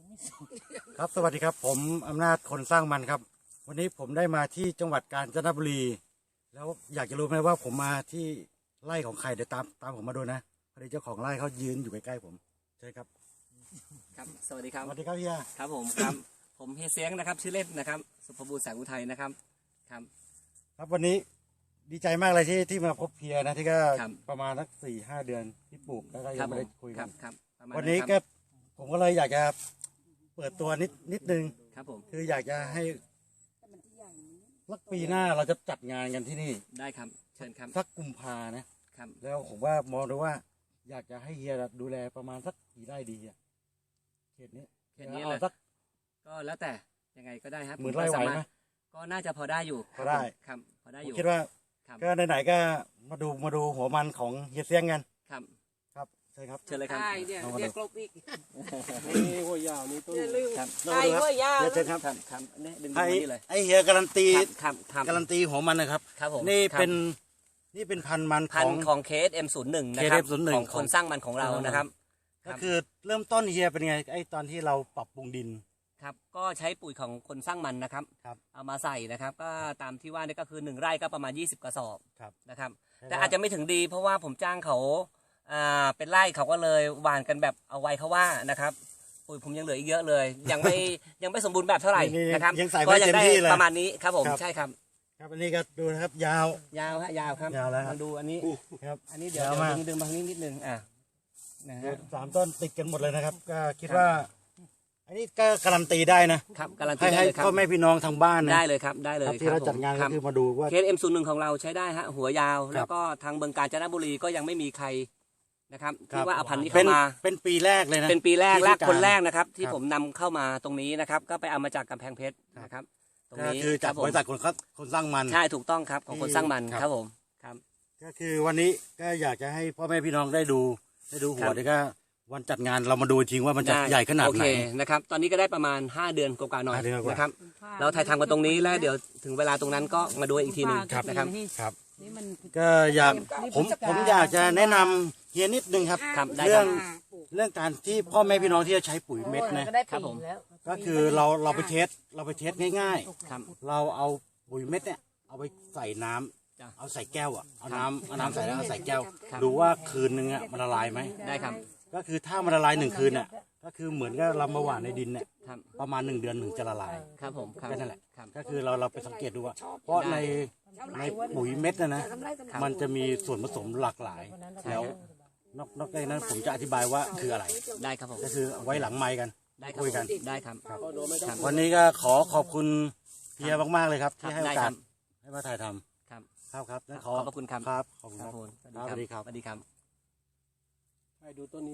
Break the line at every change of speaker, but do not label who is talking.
ครับสวัสดีครับผมอำนาจคนสร้างมันครับวันนี้ผมได้มาที่จังหวัดกาญจนบุรีแล้วอยากจะรู้ไหมว่าผมมาที่ไร่ของใครเดี๋ยวตามผมมาดูนะพอดีเจ้าของไร่เขายืนอยู่ใกล้ๆผมใช่ครับ
ครับสวัสดีครับ
สวัสดีครับเฮีย
ครับผมครับผมเฮียเสียงนะครับชื่อเล่นนะครับสุภบูรณ์แสงอุทัยนะครับ
ครับวันนี้ดีใจมากเลยที่มาพบเฮียนะที่ก็ประมาณสัก4-5 เดือนที่ปลูกแล้วก็ยังไม่ได้คุยกันวันนี้ก็ผมก็เลยอยากจะเปิดตัวนิดนึง
ครับผม
คืออยากจะให้สักปีหน้าเราจะจัดงานกันที่นี่
ได้ครับเชิญครับ
สักกุมภานะครับแล้วผมว่ามองดูว่าอยากจะให้เฮียดูแลประมาณสักกี่ไร่ดีอ่ะเขตนี้
เลยสักก็แล้วแต่ยังไงก็ได้ครับ
10,000 ไร่ไหวไหม
ก็น่าจะพอได้อยู่
พอได้
ครับพอได้อยู่
คิดว่าก็ไหนๆก็มาดูหัวมันของเฮียเสียงกัน
ครับ
ใช่ครับ
เชิญเลยครับ
เดี๋ยวกลบอีก
นี่หัวยาวนี่ต้น
ครับไอ้หัวยาว
เชิญครับ
นี่ดึงนี่เลย
ไอเฮียการันตี
ครับ
การันตีหัวมันนะครับ
ครับผม
นี่เป็นพันมัน
ของ KSM01 นะครับของคนสร้างมันของเรานะครับ
ก็คือเริ่มต้นเฮียเป็นไงไอตอนที่เราปรับปรุงดิน
ครับก็ใช้ปุ๋ยของคนสร้างมันนะครับเอามาใส่นะครับก็ตามที่ว่านี่ก็คือ1 ไร่ก็ประมาณ20 กระสอบนะครับแต่อาจจะไม่ถึงดีเพราะว่าผมจ้างเขาเป็นไร่เขาก็เลยหว่านกันแบบเอาไว้เขาว่านะครับปุ๋ยผมยังเหลืออีกเยอะเลยยังไม่สมบูรณ์แบบเท่าไหร่นะครับ
ก็ยัง
ได้ประมาณนี้ครับผมใช่ครับ
ครับอันนี้ก็ดูนะครับยาว
ครับ
ยาวแล้ว
มาดูอันนี้
ครับ
อันนี้เดี๋ยวดึงบางนิดนึงนะฮะ
3 ต้นติดกันหมดเลยนะครับก็คิดว่าอันนี้ก็การันตีได้นะครับ
การันตี
ให้พ่อแม่พี่น้องทางบ้าน
ได้เลยครับได้เลย
ที่เราจัดงานก็คือมาดูว่า
KSM01ของเราใช้ได้ฮะหัวยาวแล้วก็ทางเมืองกาญจนบุรีก็ยังไม่มีใครนะครับที่ว่าเอาพันธุ์นี้เข้ามา
เป็นปีแรกเลยนะ
เป็นปีแรกคนแรกนะครับที่ผมนำเข้ามาตรงนี้นะครับก็ไปเอามาจากกำแพงเพชรนะครับ
ตรงนี้คือจากบริษัทคนสร้างมัน
ใช่ถูกต้องครับของคนสร้างมันครับผมครับ
ก็คือวันนี้ก็อยากจะให้พ่อแม่พี่น้องได้ดูหัวแล้วก็วันจัดงานเรามาดูจริงว่ามันจะใหญ่ขนาดไหน
นะครับตอนนี้ก็ได้ประมาณ5 เดือนกว่าๆหน่อยนะครับเราถ่ายทำกันตรงนี้แล้วเดี๋ยวถึงเวลาตรงนั้นก็มาดูอีกทีหนึ่งนะครับ
ก็อยากผมอยากจะแนะนำเฮียนิดนึงครับเรื่องการที่พ่อแม่พี่น้องที่จะใช้ปุ๋ยเม็ดนะครับผมก็คือเราไปเทสง่ายๆเราเอาปุ๋ยเม็ดเนี่ยเอาไปใส่น้ำเอาใส่แก้วเอาน้ำใส่แล้วเอาใส่แก้วดูว่าคืนนึงมันละลายไหม
ได้ครับ
ก็คือถ้ามันละลาย1 คืนก็คือเหมือนกับเรามาหว่านในดินเนี่ยประมาณ1 เดือนถึงจะละลาย
ครับผม
แค่นั้นแหละก็คือเราไปสังเกตดูว่าเพราะในปุ๋ยเม็ดนะมันจะมีส่วนผสมหลากหลายแล้วนอกจากนั้นผมจะอธิบายว่าคืออะไร
ได้ครับผม
ก็คือไว้หลังไมค์กันคุยกัน
ได้ครับ
วันนี้ก็ขอบคุณเฮียมากๆเลยครับที่ให้โอกาสให้มาถ่ายทำครับ
ขอบคุณครับ
ขอบคุณครับ
สวัสดีครับ
ให้ดูต้นนี้